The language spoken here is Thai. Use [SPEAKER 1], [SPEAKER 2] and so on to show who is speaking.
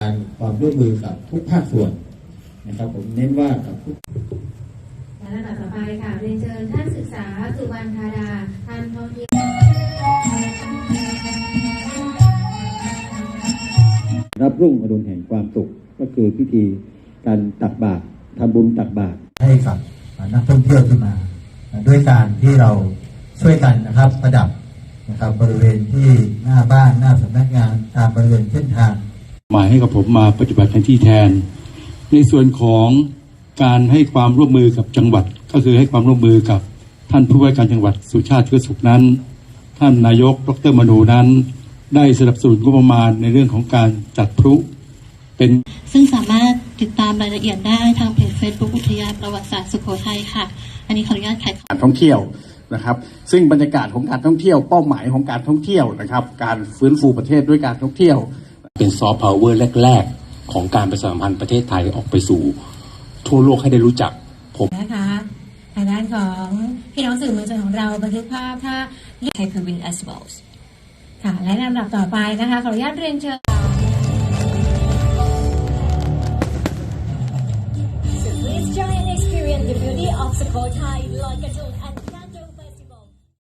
[SPEAKER 1] การความร่วมมือกับทุกภาคส่วนนะครับผมเน้นว่ากับทุก
[SPEAKER 2] และลำดับต่อไปค่ะเรียนเชิญท่านศึกษาสุวรรณธาดาท่านท่องเที่ยว
[SPEAKER 1] รับรุ่งอรุณแห่งความสุขก็คือพิธีการตักบาตรทำบุญตักบาตรให้กับนักท่องเที่ยวที่มาด้วยการที่เราช่วยกันนะครับประดับนะครับบริเวณที่หน้าบ้านหน้าสำนักงานตามบริเวณเส้นทางหมายให้กับผมมาปฏิบัติหน้าที่แทนในส่วนของการให้ความร่วมมือกับจังหวัดก็คือให้ความร่วมมือกับท่านผู้ว่าการจังหวัดสุชาติเชื้อสุขนั้นท่านนายกดร.มนูนั้นได้สนับสนุนงบประมาณในเรื่องของการจัดพลุเป็น
[SPEAKER 3] ซึ่งสามารถติดตามรายละเอียดได้ทางเพจ Facebook อุทยานประวัติศาสตร์สุโขทัยค่ะอันนี้ขออนุญาตขาย
[SPEAKER 4] การท่องเที่ยวนะครับซึ่งบรรยากาศของการท่องเที่ยวเป้าหมายของการท่องเที่ยวนะครับการฟื้นฟูประเทศด้วยการท่องเที่ยว
[SPEAKER 5] เป็นซอฟต์พาวเวอร์แรกๆของการประชาสัมพันธ์ประเทศไทยออกไปสู่ทั่วโลกให้ได้รู้จักผม
[SPEAKER 2] นะคะทางด้านของพี่น้องสื่อมวลชนของเราบันทึกภาพถ้า
[SPEAKER 3] Hyperwing as well
[SPEAKER 2] ค่ะและลำดับต่อไปนะคะขออนุญาตเรียนเชิญ
[SPEAKER 6] Please join and experience the beauty of Sukhothai Loi Krathong